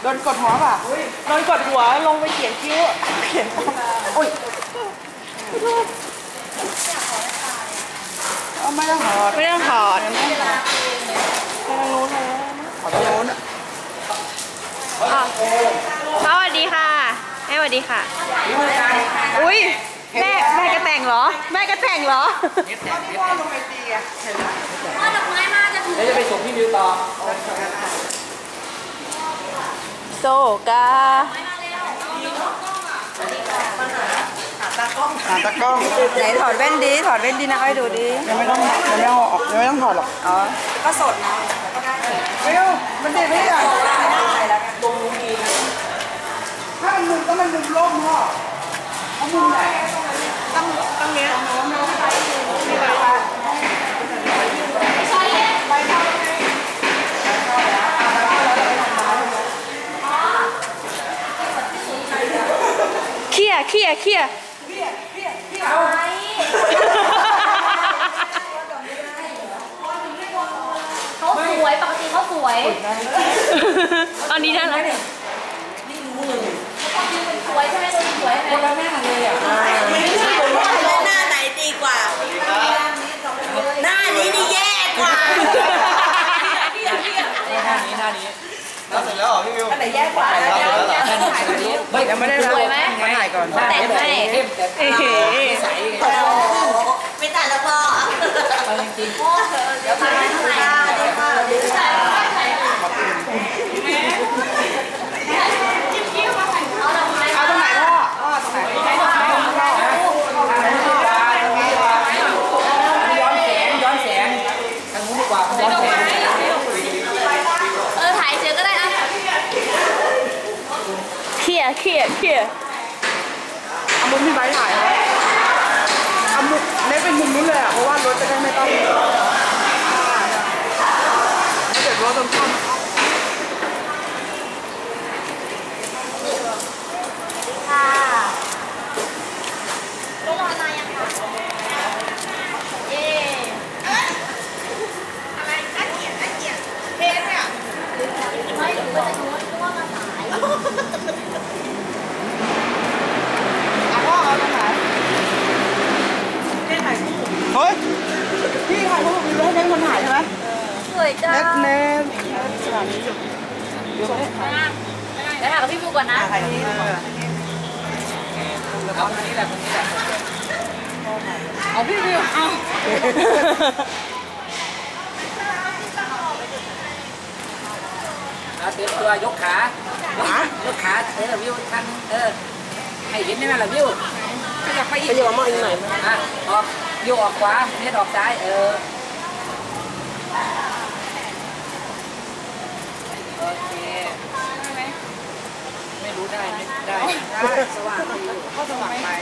ดนกดหัวป่ะโดนกดหัวลงไปเขียนคิ้วเขียนอุ้ยไม่ต้องถอดไม่ต้องถอดไปทางนู้นเลยขอทางนู้นสวัสดีค่ะแม่สวัสดีค่ะอุ้ยแม่กระแต่งเหรอแม่กระแต่งเหรอพ่อลงไอจีอ่ะเห็นแล้วพ่อดอกไม้มาจะถึงแล้วจะไปส่งพี่มิวต่อโซกาตากล้องไหนถอดแว่นดีนะให้ดูดียังไม่ต้องออกยังไม่ต้องถอดหรอกอ๋อก็สดนะไม่เอามันดีไม่ได้ตรงมุมดีถ้ามันมุมก็มันมุมร่มพ่อเอามุมไหนตั้งเนี้ยเคลียเขาสวยปกติเขาสวยตอนนี้ได้แล้วสวยใช่ไหมสวยคนละหน้าเลยอ่ะหน้าไหนดีกว่าหน้านี้นี่แย่กว่าหน้านี้เราเสร็จแล้วเหรอพี่มิวอันไหนแย่กว่าถ่ายตรงนี้ยังไม่ได้สวยไหมมาถ่ายก่อนแต่งให้ไม่แต่ละพ่อจริงพ่อเดี๋ยวถ่ายให้เอาตรงไหนพ่อตรงไหนย้อนแสงทางนู้นดีกว่าย้อนแสงถ่ายเฉยก็ได้นะเคลียเอามุมที่ไบถ่ายเอามุมเล็กเป็นมุมนู้นเลยอ่ะเพราะว่ารถจะได้ไม่ต้องเดี๋ยวรถต้องข้ามค่ะไม่รอนานยังคะเย่อะไรน่าเกลียดเทสเนี่ยไม่หรือว่าจะรู้ว่ามาสายพ่อเอาตรงไหนพี่ถ่ายคู่เฮ้ยพี่ถ่ายคู่มีเล่นคนถ่ายใช่ไหมสวยจังเน็ตสถานีเดี๋ยวถ่ายกับพี่บูก่อนนะถ่ายนี้เอาคนนี้แหละเอาพี่บูเอาเตรียมตัวยกขายกขาวิวทันให้เห็นได้ไหมล่ะวิวขยับมาอีกหน่อยออกวิวออกขวาเน็ตออกซ้ายโอเคไม่รู้ได้สว่างเข้าสว่างไป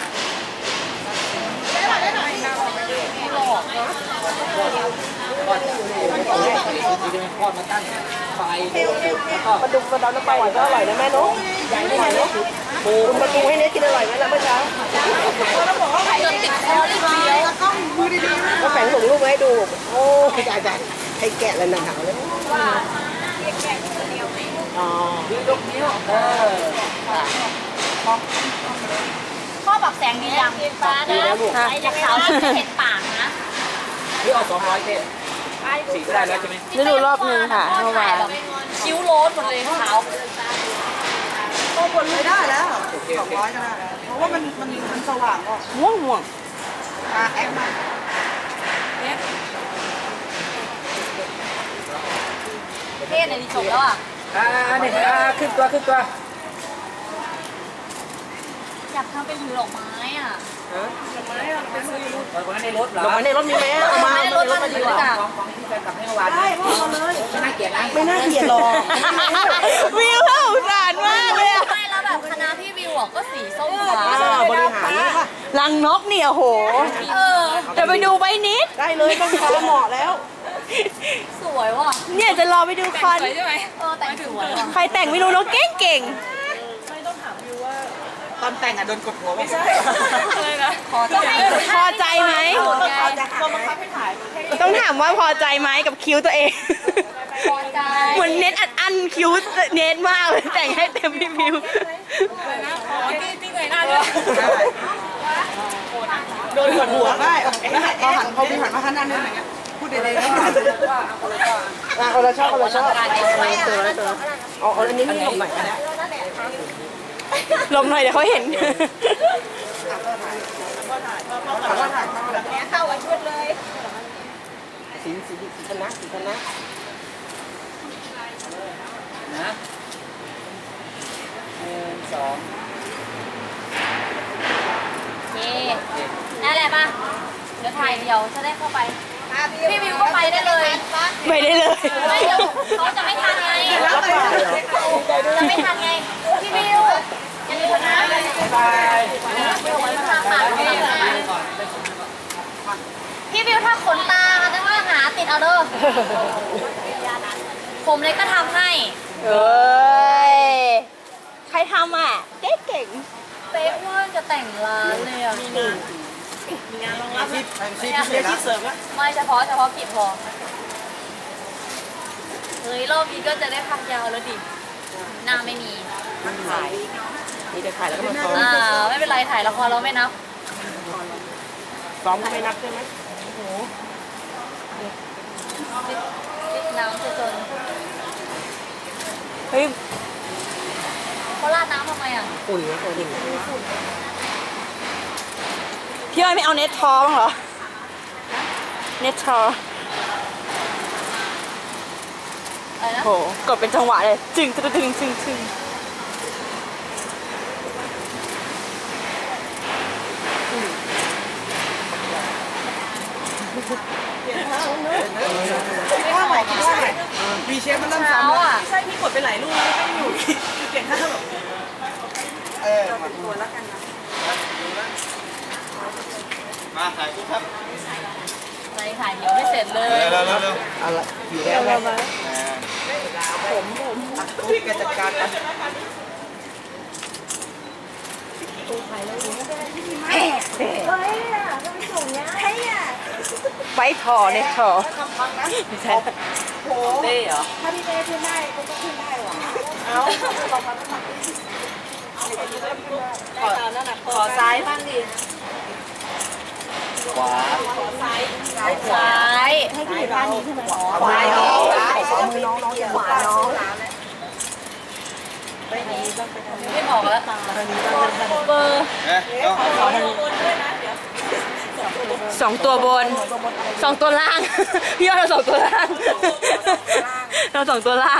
ก่อนจะทอดมาตั้งไฟปลาดุกกระดอนน้ำปลาหวานก็อร่อยนะแม่เนาะใหญ่ไม่ใหญ่เนาะคุณปลาดุกให้เน็ตกินอร่อยไหมล่ะเมื่อเช้าจนติดคอเลยเดียวแล้วก็มือดีๆก็แฝงส่งรูปมาให้ดูโอ้ใหญ่ๆให้แกะแล้วหนังหาวเลยว่าแกะเดียวไหมอ๋อนิ้วพ่อบอกแสงดียังฟ้านะไอ้จะขาวจะเห็นปากนะนี่เอา200เต้สีก็ได้แล้วใช่ไหมได้ดูรอบนึงค่ะเมื่อวานคิ้วโล้นหมดเลยขาวโตบนไม่ได้แล้ว200ก็ได้เพราะว่ามันสว่างก็ม่วงแอปมาเท่ในที่จบแล้วอ่ะนี่ขึ้นตัวอยากทำเป็นถือดอกไม้อ่ะดอกไม้ในรถเหรอดอกไม้ในรถมีไหมเอามาในรถมาดีกว่าของที่แฟนกลับให้เมื่อวานได้พ่อมาเลยไม่น่าเกลียดนะไม่น่าเกลียดหรอกวิวเขาสารมากเลยอ่ะไม่แล้วแบบคณะพี่วิวก็สีส้มฟ้าบริหารรังนกเนี่ยโหจะไปดูใบนิดได้เลยต้องฟ้าเหมาะแล้วสวยว่ะเนี่ยจะรอไปดูคอนใช่ไหมแต่งสวยใครแต่งไม่รู้น้องเก่งไม่ต้องถามวิวว่าตอนแต่งโดนกดหัวไม่ใช่เลยนะพอใจไหมต้องบังคับให้ถ่ายต้องถามว่าพอใจไหมกับคิ้วตัวเองพอใจเหมือนเน็ตอัดคิ้วเน็ตมากเลยแต่งให้เต็มพี่มิวที่ไหนหน้าด้วยโดนหัวได้พอหันมาข้างหน้าเนี่ยอย่างเงี้ยพูดดีๆนะคนละชอบเอาอันนี้ลงใหม่ก็ได้ลงหน่อยเดี๋ยวเขาเห็นเข้ากับชุดเลยสีชนะนะ1 2 โอเคนั่นแหละป่ะเดี๋ยวถ่ายเดียวจะได้เข้าไปพี่วิวก็ไปได้เลยไม่ได้เลยไม่เดี๋ยวเขาจะไม่ทันไงจะไม่ทันไงพี่วิวอย่าลืมนะพี่วิวถ้าขนตาจะว่าหาติดเอาเด้อผมเลยก็ทำให้เอ้ยใครทำอ่ะเก่งเป๊ะว่าจะแต่งร้านเลยอ่ะมีงานรองรับชีพเสริมอะไม่เฉพาะกิจพอเฮ้ยรอบนี้ก็จะได้พักยาวแล้วดิหน้าไม่มีถ่ายมีแต่ถ่ายแล้วก็มาซ้อมไม่เป็นไรถ่ายละครเราไม่นับซ้อมก็ไม่นับใช่ไหมติดน้ำจนเฮ้ยเขาราดน้ำทำไมอ่ะอุ่นนะอุ่นพี่อ้อยไม่เอาเน็ตทอบ้างเหรอเน็ตทออะไรนะโหกดเป็นจังหวะเลยจึงท่าใหม่มีเชฟมันเริ่มเช้าซ้ำอ่ะใช่พี่กดไปหลายรูปแล้วไม่อยู่เปลี่ยนท่าแบบตัวแล้วกันนะมาถ่ายรูปครับอะไรถ่ายเดี๋ยวไม่เสร็จเลยเร็วอะไรอยู่แล้วไหมผมพี่แกจัดการกันไว้ทอเน็ตทอไม่ใช่เต้เหรอถ้าพี่เต้ขึ้นได้ก็ขึ้นได้หรอเอาขอซ้ายบ้างดิขวาซ้ายให้พี่อยู่ท่านี้ใช่ไหมขวาน้องมือน้องขวาน้องไม่บอกแล้วเบอร์ 2 ตัวบน 2 ตัวล่าง พี่อ้อยเรา2 ตัวล่างเรา2 ตัวล่าง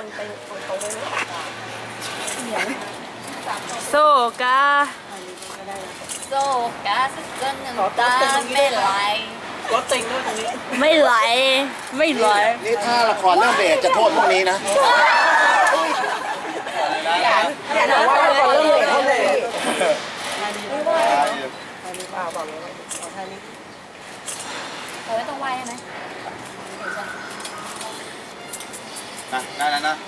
โซกาโซกาสเกินหนึ่งตาไม่ไหลรถติงด้วยตรงนี้ไม่ไหลนี่ถ้าละครเรื่องเบสจะโทษพวกนี้นะอย่าบอกว่าเราเริ่มเท่าไหร่ไม่ต้องไหวใช่ไหมได้แล้วนะ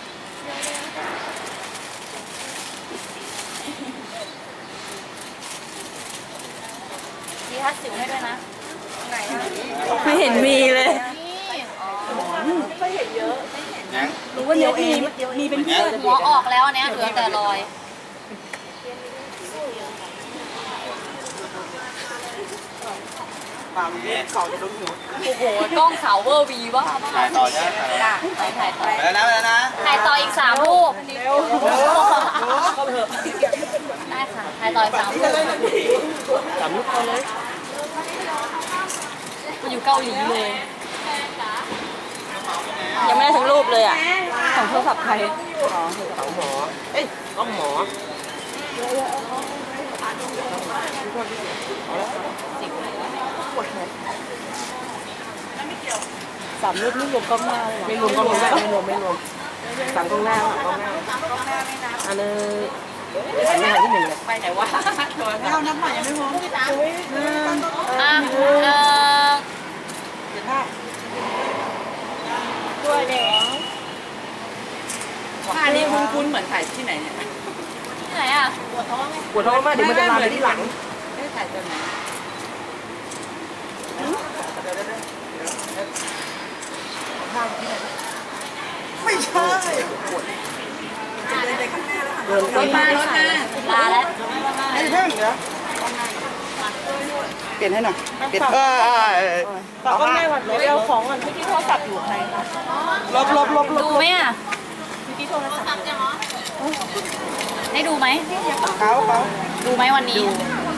ดีทัดสิวให้ด้วยนะไหนอ่ะไม่เห็นมีเลยรู้ว่าเนี้ยมีเป็นเพื่อนหัวออกแล้วเนี้ยเหลือแต่รอยโอ้โหกล้องขาวเวอร์วีวะถ่ายต่อใช่ไหมถ่ายต่อไปแล้วนะถ่ายต่ออีก3 รูปได้ค่ะถ่ายต่ออีก3 รูปมาอยู่เกาหลีเลยยังไม่ได้ทั้งรูปเลยอ่ะ ของโทรศัพท์ใครต้องหมอ 3 รูปนี่รวมกล้องหน้าเลยไม่รวมสั่งกล้องหน้ากล้องหน้าอันนึงอันนี้ที่1เลยไปไหนวะไม่เอาน้ำใหม่ยังไม่พอตัวเด็กท่านี้คุ้นๆเหมือนถ่ายที่ไหนเนี่ยที่ไหนอ่ะปวดท้องมากเดี๋ยวมันจะลามไปที่หลังถ่ายตัวไหนท่าที่ไหนไม่ใช่จะเดินไปข้างหน้าแล้วค่ะรถมาลาแล้วไอ้เพิ่งเดี๋ยวเปลี่ยนให้หน่อยเปลี่ยนต่อก็ไม่หวัดเลยเอาของก่อนที่โทรศัพท์อยู่ใครคะลบดูไหมอ่ะให้ดูไหมเขาดูไหมวันนี้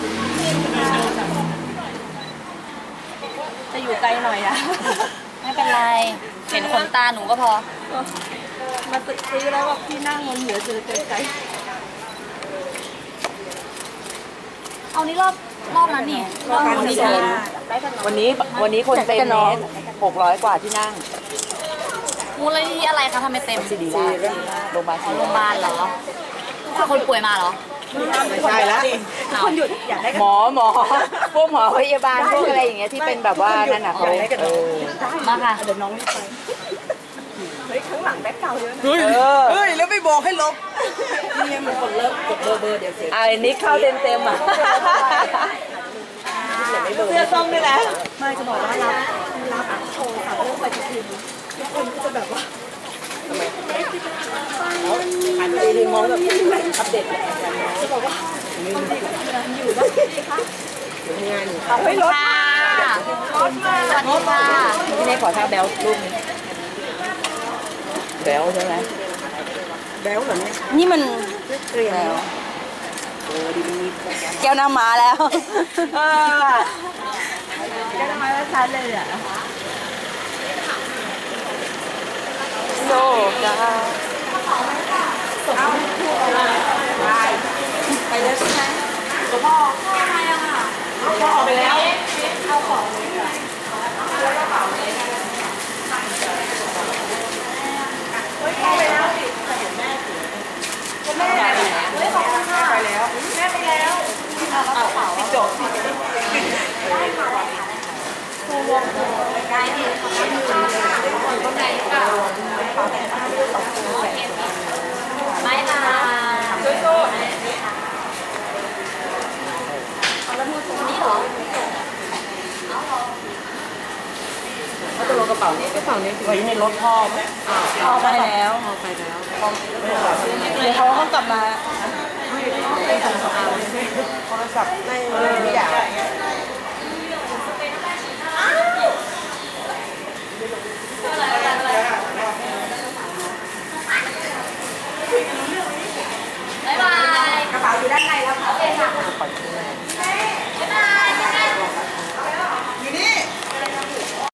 จะอยู่ไกลหน่อยอะไม่เป็นไรเห็นขนตาหนูก็พอมาซื้อแล้วแบบพี่นั่งบนหัวเจอไกลเอานี่รอบนั้นนี่รอบนี้วันนี้คนเต็มเมตร600 กว่าที่นั่งมูลนิธิอะไรคะทำไมเต็มดีราชโรงพยาบาลเหรอพาคนป่วยมาเหรอไม่ใช่แล้วคนหยุดอยากได้หมอพวกหมอพยาบาลพวกอะไรอย่างเงี้ยที่เป็นแบบว่านั่นน่ะเขามาค่ะเดี๋ยวน้องรีบไปเฮ้ยข้างหลังแบ็คเก่าเยอะเฮ้ยแล้วไม่บอกให้ลบนี่มันคนเลิกกดเบอร์เดี๋ยวเสียนิกเข้าเต็มอ่ะเสื้อส้มด้วยนะไม่จะบอกว่ารับโชว์ค่ะเรื่องปฏิทินทุกคนก็จะแบบว่าทำไมอ่านดีมองแบบอัปเดตจะบอกว่าอยู่บ้านงานอยู่เอาให้รถมาสวัสดีค่ะพี่เนยขอท่าแบลรูปนี้แบลใช่ไหมแบลเหรอเนี่ยนี่มันเกลียวแก้วน้ำมาแล้วแก้วน้ำมาแล้วชัดเลยอ่ะโซกาไปเลยใช่ไหมตัวพ่อทำไมอะค่ะพ่อออกไปแล้วเอาของเลยค่ะแล้วกระเป๋าเลยเฮ้ยพ่อไปแล้วสิเห็นแม่สิแม่ไปแล้วเฮ้ยขอบคุณค่ะไปแล้วแม่ไปแล้วเอากระเป๋าจบได้ค่ะได้ดีค่ะอยู่ตรงไหนค่ะไม่ค่ะสู้ๆนี่เหรอเอาตัวกระเป๋านี้ไว้ในรถพ่อพ่อไปแล้วเดี๋ยวเขาต้องกลับมาโทรศัพท์ไม่อยาก